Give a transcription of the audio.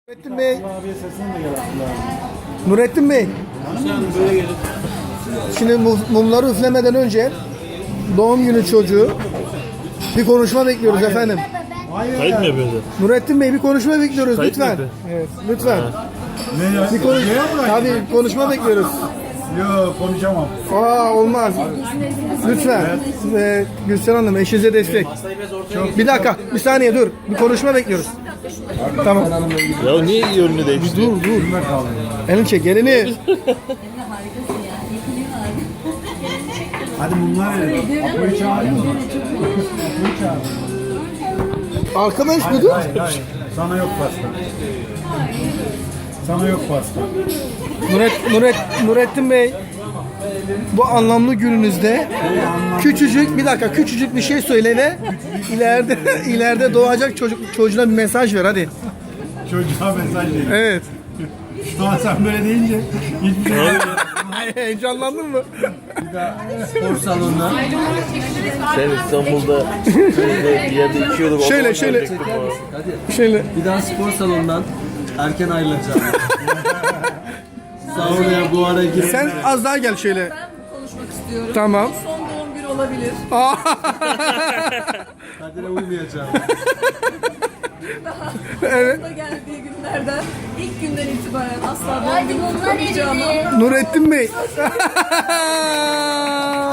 Nurettin Bey. Nurettin Bey. Şimdi mumları üflemeden önce doğum günü çocuğu bir konuşma bekliyoruz efendim. Kayıt mı yapıyorsun? Nurettin Bey bir konuşma bekliyoruz Kayıt lütfen. mı? Evet, lütfen. Ne Bir konuş tabii konuşma bekliyoruz. Yok konuşamam. Olmaz. Lütfen. Gülsen Hanım eşinize destek. Bir dakika, bir saniye dur. Bir konuşma bekliyoruz. Tamam. Ya niye yönünü değiştiriyorsun? Dur. Elini çek, elini. Hadi bunlar verelim. Apo'yu çağırayım mı? Arkadaş bu dur. Hayır. Sana yok pasta. Sana yok pasta. Nurettin Bey, bu anlamlı gününüzde küçücük bir şey söyle ve ileride doğacak çocuğuna bir mesaj ver hadi. Çocuğa mesaj verin. Evet. Daha sen böyle deyince hiçbir şey Heyecanlandın mı? Spor salonuna Sen İstanbul'da bir yerde içiyorduk. Şöyle. hadi Şöyle. bir daha spor salonundan erken ayrılacağım. Saunaya bu ara girip Sen az daha gel şöyle. Ben konuşmak istiyorum. Tamam. Son doğum günü olabilir. Kadir'e uymayacağım. Evet. Da geldiği günlerden ilk günden itibaren asla doğum Hadi günü bunlar kutlamayacağımı eridi. Nurettin Bey.